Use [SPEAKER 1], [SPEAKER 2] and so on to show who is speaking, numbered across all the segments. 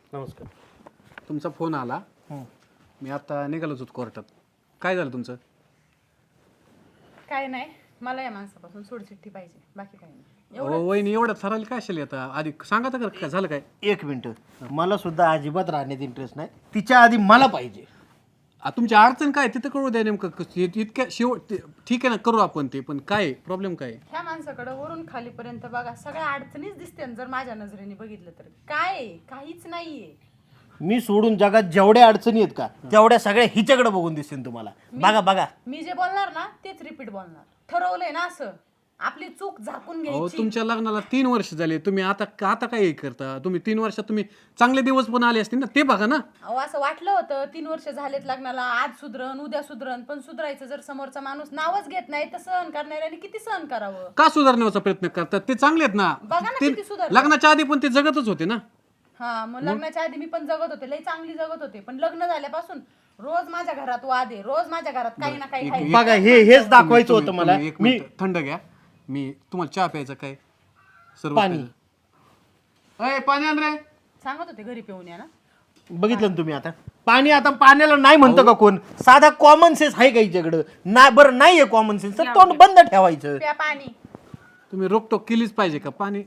[SPEAKER 1] नमस्कार.
[SPEAKER 2] तुमचा फोन आला. मी आता निघालोच होतो कोर्टात. काय झालं तुमचं?
[SPEAKER 3] काय नाही, मला या माणसापासून सोडचिठ्ठी पाहिजे, बाकी काही नाही.
[SPEAKER 2] वहिनी एवढं ठरवलं काय असेल आता? आधी सांगा तर काय झालं काय?
[SPEAKER 1] एक मिनिट, मला सुद्धा अजिबात राहण्यात इंटरेस्ट नाही. तिच्या आधी मला पाहिजे.
[SPEAKER 2] तुमची अडचण काय तिथं कळू द्या नेमकं. इतक्या शेवट ठीक आहे ना, करू आपण ते, पण काय प्रॉब्लेम काय?
[SPEAKER 3] ह्या माणसाकडे वरून खालीपर्यंत बघा, सगळ्या अडचणीच दिसते जर माझ्या नजरेने बघितलं तर. काय आहे? काहीच नाहीये.
[SPEAKER 1] मी सोडून जगात जेवढ्या अडचणी आहेत का तेवढ्या सगळ्या हिच्याकडे बघून दिसतील तुम्हाला. बघा बघा,
[SPEAKER 3] मी जे बोलणार ना तेच रिपीट बोलणार. ठरवलंय ना असं, आपली चूक झाकून
[SPEAKER 2] अहो,
[SPEAKER 3] घ्यायची.
[SPEAKER 2] तुमच्या लग्नाला 3 वर्ष झाले. तुम्ही आता आता काय करता? तुम्ही 3 वर्षात तुम्ही चांगले दिवस पण आले असतील ना, ते बघा ना.
[SPEAKER 3] अहो, असं वाटलं होतं 3 वर्ष झालेत लग्नाला, आज सुधरण उद्या सुधरण, पण सुधरायचं जर समोरचा माणूस नावच घेत नाही तर सहन करणाऱ्याने किती सहन करावं?
[SPEAKER 2] का सुधारण्याचा प्रयत्न करतात? ते चांगले आहेत ना.
[SPEAKER 3] बघा ना
[SPEAKER 2] ते
[SPEAKER 3] किती सुधारले.
[SPEAKER 2] लग्नाच्या आधी पण ते जगतच होते ना.
[SPEAKER 3] हा, मग लग्नाच्या आधी मी पण जगत होते, लई चांगली जगत होते, पण लग्न झाल्यापासून रोज माझ्या घरात वाद आहे, रोज माझ्या घरात काही ना काही आहे.
[SPEAKER 1] बघा, हेच दाखवायचं होतं मला.
[SPEAKER 2] तुम्ही एक मिनिट थंड घ्या. मी तुम्हाला चहा प्यायचा काय? सर्व
[SPEAKER 1] पाणी.
[SPEAKER 2] अय, पाणी आण रे.
[SPEAKER 3] सांगत होते घरी पिऊन या ना.
[SPEAKER 1] बघितलं ना तुम्ही आता पाणी. आता पाण्याला नाही म्हणतं का कोण? साधा कॉमन सेन्स आहे का हिच्याकडं? नाही, बरं नाहीये कॉमन सेन्स तर तोंड बंद ठेवायचं.
[SPEAKER 3] प्या पाणी.
[SPEAKER 2] तुम्ही रोकटोक केलीच पाहिजे का? पाणी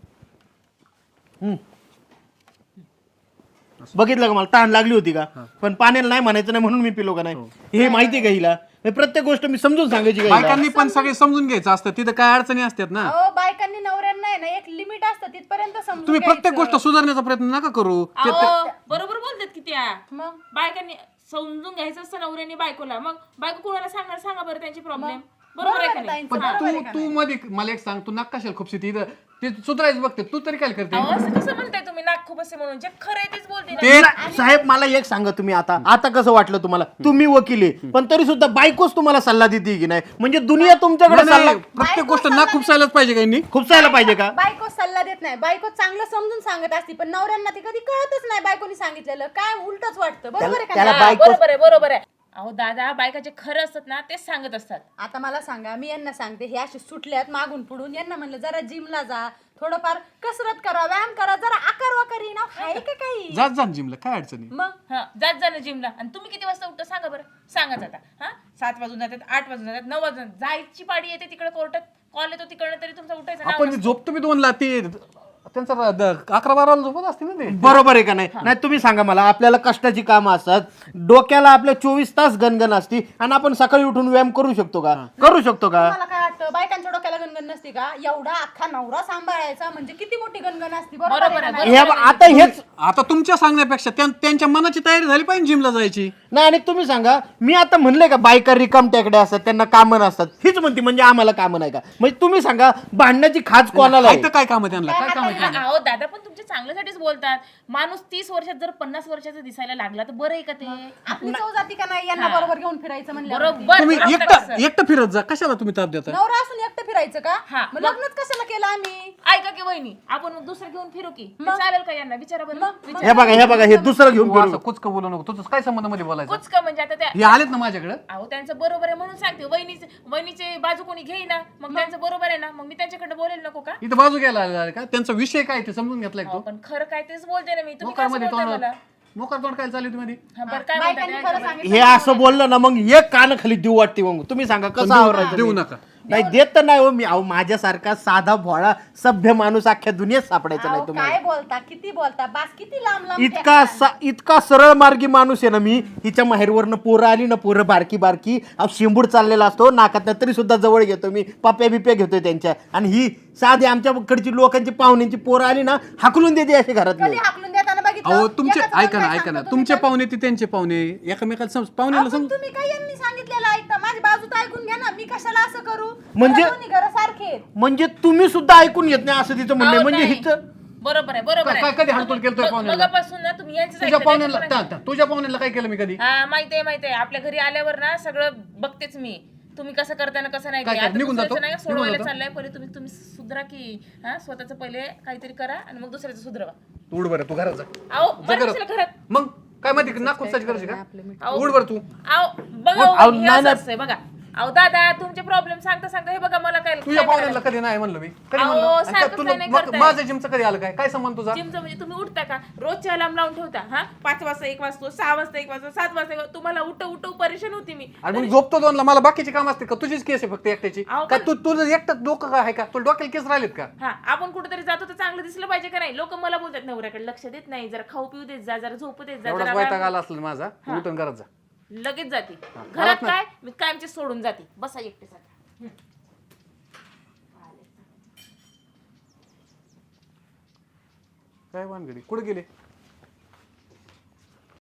[SPEAKER 1] बघितलं का, मला तहान लागली होती का, पण पाण्याला नाही म्हणायचं नाही म्हणून मी पिलो का नाही? हे माहिती का हिला? हे प्रत्येक गोष्ट मी समजून सांगायची का हिला?
[SPEAKER 2] बायकांनी पण सगळे समजून घ्यायचं असतं. तिथं काय अडचणी असतात ना.
[SPEAKER 3] अहो, बायकांनी नवऱ्यांना आहे ना एक लिमिट असतं, तिथपर्यंत समजून
[SPEAKER 2] तुम्ही प्रत्येक
[SPEAKER 3] घ्यायचं.
[SPEAKER 2] गोष्ट सुधारण्याचा प्रयत्न नका करू.
[SPEAKER 4] अहो, बरोबर बोलतात की त्या
[SPEAKER 3] मग
[SPEAKER 4] बायकांनी समजून घ्यायचं असतं नवऱ्याने बायकोला. मग बायको कोणाला सांगणार? सांगा बरं त्यांची प्रॉब्लेम. बरोबर आहे का नाही?
[SPEAKER 3] ताईंचं,
[SPEAKER 2] पण
[SPEAKER 3] बरोबर आहे का
[SPEAKER 2] तू मध्ये मला एक सांग, तू नकाशाला खूप इथं ते सुधारायचं बघते, तू तरी काय करते?
[SPEAKER 4] अहो, असं कसं म्हणताय तुम्ही? नाक खूप असे म्हणून जे खरं आहे तेच बोलते ना.
[SPEAKER 1] ते साहेब, मला एक सांगा तुम्ही, आता कसं वाटलं तुम्हाला? तुम्ही वकील आहे, पण तरी सुद्धा बायकोच तुम्हाला सल्ला देते की नाही? म्हणजे दुनिया तुमच्याकडे
[SPEAKER 2] नाही,
[SPEAKER 1] सल्ला
[SPEAKER 2] नाही, प्रत्येक गोष्ट ना खुपसायलाच पाहिजे काही.
[SPEAKER 1] खुपसायला पाहिजे का?
[SPEAKER 3] बायको सल्ला देत नाही, बायको चांगलं समजून सांगत असते, पण नवऱ्यांना ती कधी कळतच नाही. बायकोनी सांगितलेलं काय उलटच वाटतं. बरोबर आहे का
[SPEAKER 1] त्याला
[SPEAKER 3] नाही?
[SPEAKER 4] हा,
[SPEAKER 1] बायको-
[SPEAKER 4] बरोबर आहे, बरोबर आहे. अहो दादा, बायका जे खरं असतात ना तेच सांगत असतात.
[SPEAKER 3] आता मला सांगा, मी यांना सांगते हे असे सुटल्यात मागून पुढून, यांना म्हणलं जरा जिमला जा, थोडंफार कसरत करा, व्यायाम करा, जरा आकार वाकारी ना आहे का काही?
[SPEAKER 2] जात जा जिमला, काय अडचणी?
[SPEAKER 3] मग
[SPEAKER 4] हा, जात जा ना जिमला. आणि तुम्ही किती वाजता उठता सांगा बरं? सांगा आता. हा, 7 वाजून जातात, 8 वाजून जातात, 9 वाजून जायची पाडी येते तिकडे कोर्टात. कॉल येतो तिकडनं तरी तुमचा उठायचा नाव
[SPEAKER 2] आपण
[SPEAKER 4] नसतं.
[SPEAKER 2] झोपतो मी 2ला, ते त्यांचा 11-12 झोपत असते ना ते.
[SPEAKER 1] बरोबर आहे का नाही? नाही, तुम्ही सांगा मला. आपल्याला कष्टाची कामं असतात, डोक्याला आपल्या 24 तास गणगण असती, आणि आपण सकाळी उठून व्यायाम करू शकतो का? करू शकतो का?
[SPEAKER 3] मला काय वाटतं, बायकांच्या डोक्याला गणगण नसते का? एवढा अख्खा नवरा सांभाळायचा म्हणजे किती मोठी गणगण असती. बरोबर आहे
[SPEAKER 4] बरोबर
[SPEAKER 3] का
[SPEAKER 4] आहे,
[SPEAKER 3] नाही?
[SPEAKER 1] हे आता हेच
[SPEAKER 2] आता तुमच्या सांगण्यापेक्षा त्यांच्या मनाची तयारी झाली पाहिजे जिमला जायची.
[SPEAKER 1] नाही. आणि तुम्ही सांगा, मी आता म्हणले का बायका रिकाम टेकड्या असतात, त्यांना कामं नसतात, हीच म्हणते म्हणजे आम्हाला कामं नाही का? म्हणजे तुम्ही सांगा, भांडण्याची खाज कोणाला आहे?
[SPEAKER 2] इथं काय काम आहे त्यांना? काय काम आहे त्यांना?
[SPEAKER 4] अहो दादा, पण तुमच्या चांगल्यासाठीच बोलतात. माणूस 30 वर्षात जर 50 वर्षाचा दिसायला लागला तर बरं आहे का ते?
[SPEAKER 3] आपली चव जाती का नाही यांना बरोबर घेऊन फिरायचं म्हणलं?
[SPEAKER 4] बरोबर.
[SPEAKER 2] तुम्ही
[SPEAKER 4] बरोबर असं.
[SPEAKER 2] एकटं फिरत जा, कशाला तुम्ही ताप देता?
[SPEAKER 3] नवरा असून एकटं फिरायचं का?
[SPEAKER 4] हा.
[SPEAKER 3] मग लग्नच कशाला केलं आम्ही?
[SPEAKER 4] ऐका की वहिनी, आपण मग दुसरं घेऊन फिरू की? ते चालेल का यांना? विचारा बरं. विचारा.
[SPEAKER 1] हे बघा, हे दुसरं घेऊन
[SPEAKER 2] तू
[SPEAKER 1] फिरू.
[SPEAKER 2] असं कुचकं बोलू नको. तुझं काय संबंध मध्ये बोलायचं?
[SPEAKER 4] कुच का म्हणजे आता त्या
[SPEAKER 2] हे आलेत ना माझ्याकडे.
[SPEAKER 4] अहो त्यांचं बरोबर आहे म्हणून सांगते. वहिनीचे बाजू कोणी घेईना, मग त्यांचं बरोबर आहे ना, मग मी त्यांच्याकडे बोलेल नको का?
[SPEAKER 2] इथं बाजू घ्यायला आले का? त्यांचा विषय काय ते समजून घेतलाय
[SPEAKER 4] अहो,
[SPEAKER 2] तो.
[SPEAKER 4] पण खरं काय तेच बोलते ना मी. तुम्ही
[SPEAKER 2] मोकार
[SPEAKER 4] कसं
[SPEAKER 2] मध्ये
[SPEAKER 4] बोलताय मला?
[SPEAKER 2] मोकार तोंड काय चालू तुम्ही?
[SPEAKER 4] हा, बरं काय
[SPEAKER 3] बायकांनी
[SPEAKER 4] बोलताय?
[SPEAKER 3] खरं सांगितलं.
[SPEAKER 1] हे असं बोललं ना, मग एक कान खाली देऊ वाटते. मग तुम्ही सांगा कसं आवरायचं?
[SPEAKER 2] देऊ
[SPEAKER 1] मी?
[SPEAKER 2] नका.
[SPEAKER 1] नाही, देत तर नाही हो मी. अहो, माझ्यासारखा साधा भोळा सभ्य माणूस अख्ख्या दुनियेत सापडायचा नाही
[SPEAKER 3] अहो,
[SPEAKER 1] तुम्हाला.
[SPEAKER 3] काय बोलता, किती बोलता, बास किती लांब लांब
[SPEAKER 1] इतका सरळ मार्गी माणूस आहे ना मी. हिच्या माहेरवरनं पोरं आली ना, पोरं बारकी बारकी, अहो शेंबूड चाललेला असतो नाकात, तरी सुद्धा जवळ घेतो मी, पप्या बिप्या घेतोय त्यांच्या. आणि ही साधी आमच्याकडची लोकांची पाहुण्यांची पोरं आली ना, हाकलून देते अशी घरातली.
[SPEAKER 3] कधी हाकलून देताना बघितलं?
[SPEAKER 2] अहो तुमचे
[SPEAKER 3] एकाचं
[SPEAKER 2] ऐका ना
[SPEAKER 3] काय
[SPEAKER 2] ऐका ना,
[SPEAKER 3] सांगतो
[SPEAKER 2] तुमचे
[SPEAKER 3] तुम्ही?
[SPEAKER 2] पाहुणे ते त्यांचे पाहुणे, एकमेकाला पाहुण्याला
[SPEAKER 3] आपण
[SPEAKER 2] समज.
[SPEAKER 3] तुम्ही काय यांनी सांगितलेलं ऐकता? माझी बाजू तर ऐकून घ्या ना. मी कशाला असं करू?
[SPEAKER 1] म्हणजे-
[SPEAKER 3] मला दोन्ही घरं सारखे आहेत.
[SPEAKER 1] म्हणजे तुम्ही सुद्धा ऐकून घेत नाही असं तिचं म्हणणं आहे.
[SPEAKER 4] अहो,
[SPEAKER 1] म्हणजे
[SPEAKER 4] नाही.
[SPEAKER 1] हिचं
[SPEAKER 4] बरोबर आहे, बरोबर
[SPEAKER 2] काय कधी हालतोल केलतोय पाहुण्याला?
[SPEAKER 4] मगापासून ना तुम्ही यांचंच
[SPEAKER 2] तुझ्या
[SPEAKER 4] ऐकलं,
[SPEAKER 2] पाहुण्याला
[SPEAKER 4] त्यांचं पण
[SPEAKER 2] तुझ्या पाहुण्याला काय केलं मी कधी?
[SPEAKER 4] हा, माहितीये. आपल्या घरी आल्यावर ना सगळं बघतेच मी. तुम्ही कसं करताय ना कसं नाही.
[SPEAKER 2] काय
[SPEAKER 4] ते.
[SPEAKER 2] काय,
[SPEAKER 4] आता
[SPEAKER 2] निघून
[SPEAKER 4] दुसऱ्याचं
[SPEAKER 2] जातो?
[SPEAKER 4] नाही
[SPEAKER 2] निघून
[SPEAKER 4] सोडवायला
[SPEAKER 2] जातो?
[SPEAKER 4] चाललंय. पहिले तुम्ही सुधरा की. हा, स्वतःचं पहिले काहीतरी करा आणि मग दुसऱ्याचं सुधरवा.
[SPEAKER 2] तू उड बरं, तू घरात जा.
[SPEAKER 4] अहो,
[SPEAKER 2] जा
[SPEAKER 4] बरं
[SPEAKER 2] घरात.
[SPEAKER 4] कशाला घरात?
[SPEAKER 2] मग काय माहिती नाक खुपसायची करायची का?
[SPEAKER 4] अहो,
[SPEAKER 2] उड बरं तू.
[SPEAKER 4] अहो, बघा
[SPEAKER 1] अहो,
[SPEAKER 4] हे
[SPEAKER 1] नाही,
[SPEAKER 4] असं
[SPEAKER 1] नाही.
[SPEAKER 4] असतंय बघा. अहो दादा तुमचे प्रॉब्लेम सांगता सांगता हे बघा मला काय
[SPEAKER 2] तुझ्या पाहुण्याला कधी नाही म्हणलं मी कधी
[SPEAKER 4] अहो,
[SPEAKER 2] म्हणलं आणि
[SPEAKER 4] सारखं
[SPEAKER 2] तुला
[SPEAKER 4] नाही
[SPEAKER 2] मग
[SPEAKER 4] करताय.
[SPEAKER 2] माझं जिमचं कधी आलं काय संबंध तुझा
[SPEAKER 4] जिमचं म्हणजे तुम्ही उठता का रोजच्या अलार्म लावून ठेवता हा 5 वाजता 1 वाजतो 6 वाजता 1 वाजतो 7 वाजता 1 वाजता. तुम्हाला उठव परेशान होती मी
[SPEAKER 2] आणि मग झोपतो दोनला मला बाकीची काम असते का तुझीच केस आहे फक्त एकट्याची
[SPEAKER 4] अहो,
[SPEAKER 2] काय तुझं एकटं डोकं काय आहे का तुला डोक्याला केस राहिलेत का
[SPEAKER 4] हा आपण कुठेतरी जातो तर चांगलं दिसलं पाहिजे का नाही लोक मला बोलतात नवऱ्याकडे लक्ष देत नाही जरा खाऊ पिऊ देत जा जरा झोपू देत जा
[SPEAKER 2] एवढाच
[SPEAKER 4] जरा
[SPEAKER 2] वैताग
[SPEAKER 4] व्यायाम-
[SPEAKER 2] आला असलं माझा तू उठून करत जा
[SPEAKER 4] लगेच जाते
[SPEAKER 2] घरात
[SPEAKER 4] घरात
[SPEAKER 2] नाही.
[SPEAKER 4] काय मी कायमची सोडून जाते बसा एकटे आता
[SPEAKER 2] काय वानगडी कुठे गेले